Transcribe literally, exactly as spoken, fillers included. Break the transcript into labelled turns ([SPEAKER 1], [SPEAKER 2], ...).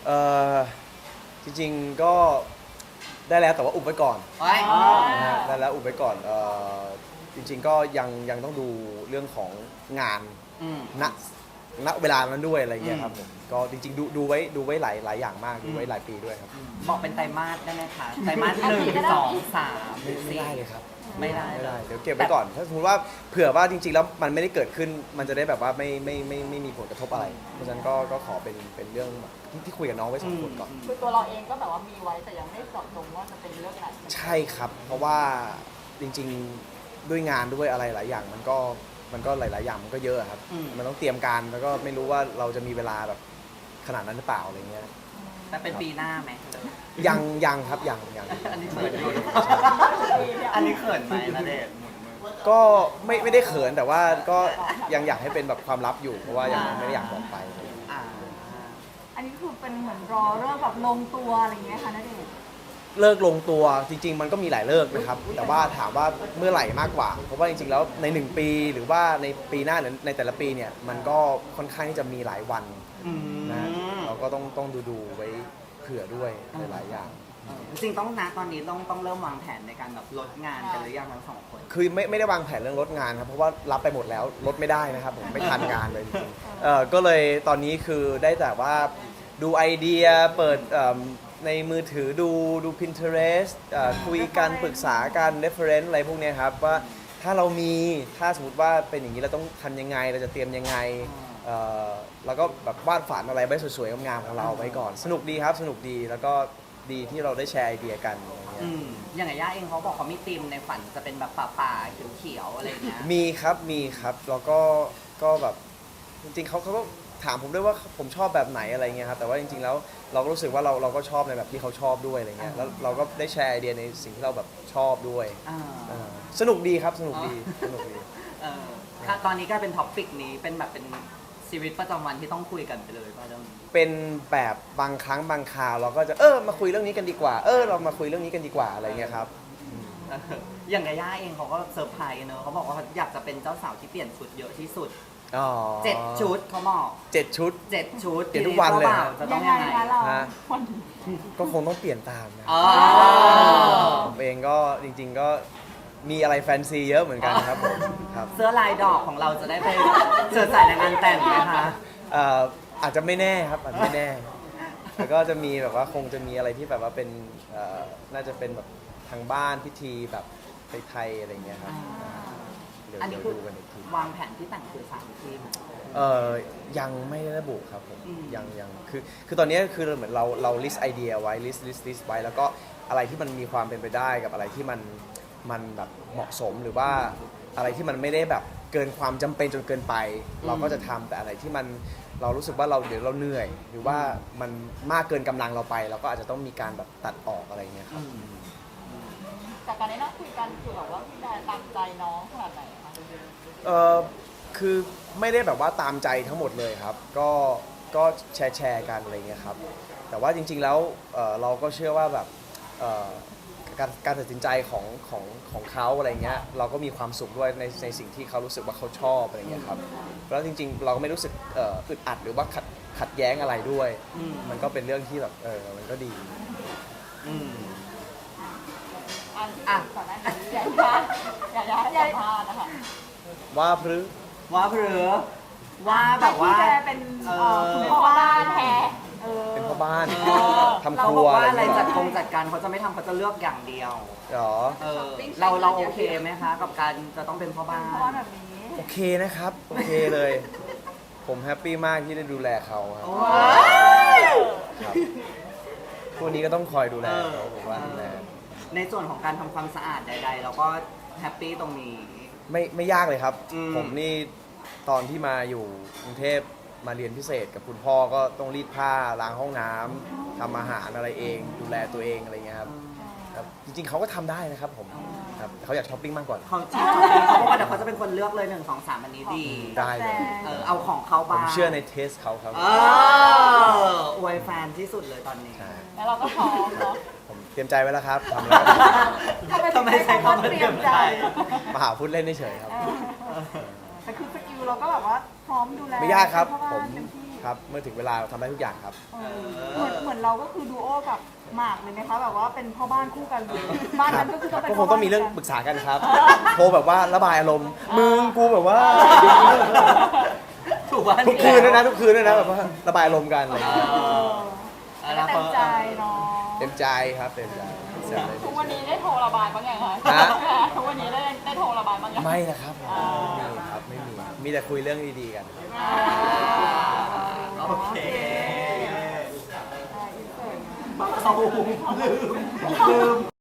[SPEAKER 1] เออจริงๆก็ได้แล้วแต่ว่าอุบไว้ก่อน
[SPEAKER 2] ไว้
[SPEAKER 1] นะฮะได้แล้วอุบไว้ก่อนเออจริงๆก็ยังยังต้องดูเรื่องของงาน
[SPEAKER 2] อืม
[SPEAKER 1] ณณเวลานั้นด้วยอะไรเงี้ยครับ
[SPEAKER 2] อื
[SPEAKER 1] ผม มก็จริงๆดูดูไว้ดูไว้หลายหลายอย่างมากดูไว้
[SPEAKER 2] อืม
[SPEAKER 1] หลายปีด้วยครับ
[SPEAKER 2] บอกเป็นไตรมาสได้ไหมคะไตรมาสหนึ่งสองสาม
[SPEAKER 1] ไม่ไม่
[SPEAKER 2] สี่
[SPEAKER 1] ได้เลยครับ
[SPEAKER 2] ไม่ได้
[SPEAKER 1] ไม่
[SPEAKER 2] เล
[SPEAKER 1] ได้
[SPEAKER 2] ย
[SPEAKER 1] เดี๋ยวเก็บไว้ก่อนถ้าสมมติว่าเผื่อว่าจริงๆแล้วมันไม่ได้เกิดขึ้นมันจะได้แบบว่าไม่ไม่ไม่ไม่มีผลกระทบอะไร เพราะฉะนั้นก็ก็ขอเป็นเป็นเรื่องที่ที่คุยกับน้องไว้สองคนก่อน
[SPEAKER 3] คือตัวเราเองก็แบบว่ามีไว้แต่ยังไม่เจาะจงว่าจะเป็นเรื่องไหน
[SPEAKER 1] ใช่ครับ เพราะว่าจริงๆด้วยงานด้วยอะไรหลายอย่างมันก็มันก็หลายๆอย่างมันก็เยอะครับ
[SPEAKER 2] อืม
[SPEAKER 1] มันต้องเตรียมการแล้วก็ไม่รู้ว่าเราจะมีเวลาแบบขนาดนั้นหรือเปล่าอะไรเงี้ย
[SPEAKER 2] แต่เป็นปีหน้าไหม
[SPEAKER 1] ยังยังครับยังยัง
[SPEAKER 2] อันนี้เขินอยู่อันนี้เขินไหมนะเดชน์
[SPEAKER 1] ก็ไม่ไม่ได้เขินแต่ว่าก็ยังอยากให้เป็นแบบความลับอยู่เพราะว่ายังไม่ได้อยากบอกไป
[SPEAKER 2] อ่า
[SPEAKER 3] อันนี้คือเป็นเหมือนรอเรื่องแบบลงตัวอะไรอย่างเงี้ยค่ะณเดชน์
[SPEAKER 1] เลิกลงตัวจริง ๆ มันก็มีหลายเลิกนะครับ แต่ว่าถามว่าเมื่อไหร่มากกว่า เพราะว่าจริงๆแล้วในหนึ่งปีหรือว่าในปีหน้าหรือในแต่ละปีเนี่ยมันก็ค่อนข้างที่จะมีหลายวัน
[SPEAKER 2] อืม
[SPEAKER 1] นะเราก็ต้องต้องดูดูไว้เผื่อด้วยหลายๆอย่าง
[SPEAKER 2] เออจริงๆต้องนะตอนนี้ต้องต้องเริ่มวางแผนในการแบบลดงานกันหรือยังทั้งสองคน
[SPEAKER 1] คือไม่ไม่ได้วางแผนเรื่องลดงานครับเพราะว่ารับไปหมดแล้วลดไม่ได้นะครับผมไม่ทันงานเลยจริงๆเอ่อก็เลยตอนนี้คือได้แต่ว่าดูไอเดียเปิดเอิ่มในมือถือดูดู Pinterest เอ่อคุยกันปรึกษากัน reference อะไรพวกเนี้ยครับว่าถ้าเรามีถ้าสมมติว่าเป็นอย่างนี้เราต้องทำยังไงเราจะเตรียมยังไงเอ่อแล้วก็แบบวาดฝันอะไรไว้สวยๆงามๆของเราไว้ก่อนสนุกดีครับสนุกดีแล้วก็ดีที่เราได้แชร์ไอเดียกันอะไรเงี้ย
[SPEAKER 2] อืมอย่างไงย่าเองเขาบอกเขามีธีมในฝันจะเป็นแบบป่าๆเขียวๆอะไรอย่างเงี้ย
[SPEAKER 1] มีครับมีครับแล้วก็ก็แบบจริงๆเขาเขาก็ถามผมด้วยว่าผมชอบแบบไหนอะไรเงี้ยครับแต่ว่าจริงๆแล้วเราก็รู้สึกว่าเราเราก็ชอบในแบบที่เขาชอบด้วยอะไรเงี้ยแล้วเราก็ได้แชร์ไอเดียในสิ่งที่เราแบบชอบด้วย
[SPEAKER 2] อ่า
[SPEAKER 1] อ่าสนุกดีครับสนุกดีสนุกดี
[SPEAKER 2] เออค่ะตอนนี้ก็เป็นท็อปปิกนี้เป็นแบบเป็นชีวิตประจำวันที่ต้องคุยกันไปเลยป่ะเจ้า
[SPEAKER 1] เป็นแบบบางครั้งบางคราวเราก็จะเออมาคุยเรื่องนี้กันดีกว่าเออเรามาคุยเรื่องนี้กันดีกว่าอะไรเงี้ยครับ
[SPEAKER 2] เอออย่างไงย่าเองเขาก็เซอร์ไพรส์เนอะเขาบอกว่าเขาอยากจะเป็นเจ้าสาวที่เปลี่ยนชุดเยอะที่สุด
[SPEAKER 1] อ๋อ
[SPEAKER 2] เจ็ดชุดเขาบอก
[SPEAKER 1] เจ็ดชุด
[SPEAKER 2] เจ็ดชุด
[SPEAKER 1] เปลี่ยนทุกวันเลย
[SPEAKER 2] จ้าบ่าจะต้องยังไง
[SPEAKER 3] คะเรา
[SPEAKER 1] ฮะ
[SPEAKER 3] วัน
[SPEAKER 1] ก็คงต้องเปลี่ยนตามนะ
[SPEAKER 2] อ๋อ
[SPEAKER 1] ผมเองก็จริง ๆก็มีอะไรแฟนซีเยอะเหมือนกันครับผมครับ
[SPEAKER 2] เสื้อลายดอกของเราจะได้ไปเชิญใส่ในงานแต่งไหมคะ
[SPEAKER 1] เอ่ออาจจะไม่แน่ครับอาจจะไม่แน่แล้วก็จะมีแบบว่าคงจะมีอะไรที่แบบว่าเป็นเอ่อน่าจะเป็นแบบทางบ้านพิธีแบบไทยๆอะไรเงี้ยครับเดี๋ยว
[SPEAKER 2] อันนี้
[SPEAKER 1] เดี๋ยว
[SPEAKER 2] คือ
[SPEAKER 1] ดูกันอีกที
[SPEAKER 2] วางแผนที่แต่งคือสามที่ไหม
[SPEAKER 1] เออยังไม่ได้ระบุครับผม
[SPEAKER 2] อืม
[SPEAKER 1] ยังยังคือคือตอนนี้คือเหมือนเราเรา list ไอเดียไว้ list list list ไว้แล้วก็อะไรที่มันมีความเป็นไปได้กับอะไรที่มันมันแบบเหมาะสมหรือว่าอะไรที่มันไม่ได้แบบเกินความจำเป็นจนเกินไป เราก็จะทำแต่อะไรที่มันเรารู้สึกว่าเราเดี๋ยวเราเหนื่อย หรือว่ามันมากเกินกำลังเราไป เราก็อาจจะต้องมีการแบบตัดออกอะไรเงี้ยครับ
[SPEAKER 3] จากการได้นั่งคุยกันคือแบบว่าพี่แดนตามใจน้องขนาดไหนคะ
[SPEAKER 1] เออคือไม่ได้แบบว่าตามใจทั้งหมดเลยครับ ก็ก็แชร์แชร์กันอะไรเงี้ยครับ แต่ว่าจริงๆแล้วเอ่อเราก็เชื่อว่าแบบเอ่อการการตัดสินใจของของของเขาอะไรเงี้ยเราก็มีความสุขด้วยในในสิ่งที่เขารู้สึกว่าเขาชอบอะไรเงี้ยครับแล้วจริงๆ เราก็ไม่รู้สึกเอ่ออึดอัดหรือว่าขัดขัดแย้งอะไรด้วย
[SPEAKER 2] อืม
[SPEAKER 1] มันก็เป็นเรื่องที่แบบเออมันก็ดี
[SPEAKER 2] อืม
[SPEAKER 3] อันที่
[SPEAKER 2] อ่ะ
[SPEAKER 3] ก่อนหน้านี้อยากยาอยากยาให้สัมภาษณ์นะคะ
[SPEAKER 1] ว่าพรือ
[SPEAKER 2] ว่าเผือว่าแบบว่า
[SPEAKER 3] พี่แดนเป็น
[SPEAKER 2] เอ
[SPEAKER 3] เอ่อ
[SPEAKER 2] อ
[SPEAKER 3] คุณพ่อบ้านแท้เออ
[SPEAKER 1] เป็นพ่อบ้าน
[SPEAKER 2] เออ
[SPEAKER 1] ทำค
[SPEAKER 2] เรา
[SPEAKER 1] รั
[SPEAKER 2] บ
[SPEAKER 1] ว
[SPEAKER 2] อกว่า
[SPEAKER 1] อะไร
[SPEAKER 2] อะไร
[SPEAKER 1] เงี้ย
[SPEAKER 2] จัดกงจัดการเขาจะไม่ทำเขาจะเลือกอย่างเดียว
[SPEAKER 1] หรอ
[SPEAKER 2] เออเราเราโอเคไหมคะ กับการจะต้องเป็นพ่อบ้าน
[SPEAKER 3] พ่อบ้านแบบนี้
[SPEAKER 1] โอเคนะครับ โอเคเลย ผมแฮปปี้มากที่ได้ดูแลเขาครับ
[SPEAKER 2] โอ้
[SPEAKER 1] ครับพวกนี้ก็ต้องคอยดูแลเขาผมว่าดูแล
[SPEAKER 2] ในส่วนของการทำความสะอาดใด ๆ เราก็แฮปปี้ตรงนี้
[SPEAKER 1] ไม่ไม่ยากเลยครับ
[SPEAKER 2] อืม
[SPEAKER 1] ผมนี่ตอนที่มาอยู่กรุงเทพมาเรียนพิเศษกับคุณพ่อก็ต้องรีดผ้าล้างห้องน้ำทำอาหารอะไรเอง ดูแลตัวเองอะไรเงี้ยครับครับ จริงๆเขาก็ทำได้นะครับผมครับแต่เขาอยากช้อปปิ้งมากกว่า
[SPEAKER 2] เขาชอบเขาบอกว่าเดี๋ยวเขาจะเป็นคนเลือกเลยหนึ่งสองสามอันนี้ดี
[SPEAKER 1] ได้เลย
[SPEAKER 2] เออเอาของเขา
[SPEAKER 1] ผ
[SPEAKER 2] บ้าม ง
[SPEAKER 1] เชื่อในเทสเขาครับ
[SPEAKER 2] เอออวยแฟนที่สุดเลยตอนนี้
[SPEAKER 1] ใช่
[SPEAKER 3] แล้วเราก็พร้อมเนาะ
[SPEAKER 1] ผมเตรียมใจไว้แล้วครับทำแล้ว
[SPEAKER 2] ทำไมใช้คำว่าเตรียมใจ
[SPEAKER 1] มาหาพูดเล่นเฉยๆครับ
[SPEAKER 3] เออแต่คือสกิลเราก็แบบว่าพร้อมดูแล
[SPEAKER 1] ไม่ยากครับ
[SPEAKER 3] พ่อ
[SPEAKER 1] ผม
[SPEAKER 3] เต็มที่
[SPEAKER 1] ครับเมื่อถึงเวลาทำได้ทุกอย่างครับ
[SPEAKER 3] เออเหมือนเหมือนเราก็คือดูโอกับหมากเลยไหมคะแบบว่าเป็นพ่อบ้านคู่กันเลยบ้านนั้นก็คือต้องเป็น
[SPEAKER 1] ก็ค
[SPEAKER 3] พ่
[SPEAKER 1] ง
[SPEAKER 3] บ้าน
[SPEAKER 1] ต้องมีเรื่องปรึกษากันครับ โทรแบบว่าระบายอารมณ์มึงกูแบบว่า
[SPEAKER 2] ถูกว่า
[SPEAKER 1] ทุกคืนด้วยนะทุกคืนด้วยนะแบบว่าระบายอารมณ์กันอะไรอย่างเงี้ย
[SPEAKER 3] เออแล้วก็เต็มใจเนาะ
[SPEAKER 1] เต็มใจครับเต็มใจเต็มใจ
[SPEAKER 3] ทุกวันนี้ได้โทรระบายบ้างยังคะ
[SPEAKER 1] ฮะ
[SPEAKER 3] ทุกวันนี้ได้ได้โทรระบายบ้างยัง
[SPEAKER 1] ไม่นะครับผมไม่มีครับไม่มีมีแต่คุยเรื่องดีๆกัน
[SPEAKER 3] อ่า
[SPEAKER 2] โอเค
[SPEAKER 3] อ่าอินเสิร์ต
[SPEAKER 2] บ้าเขาลืมลืม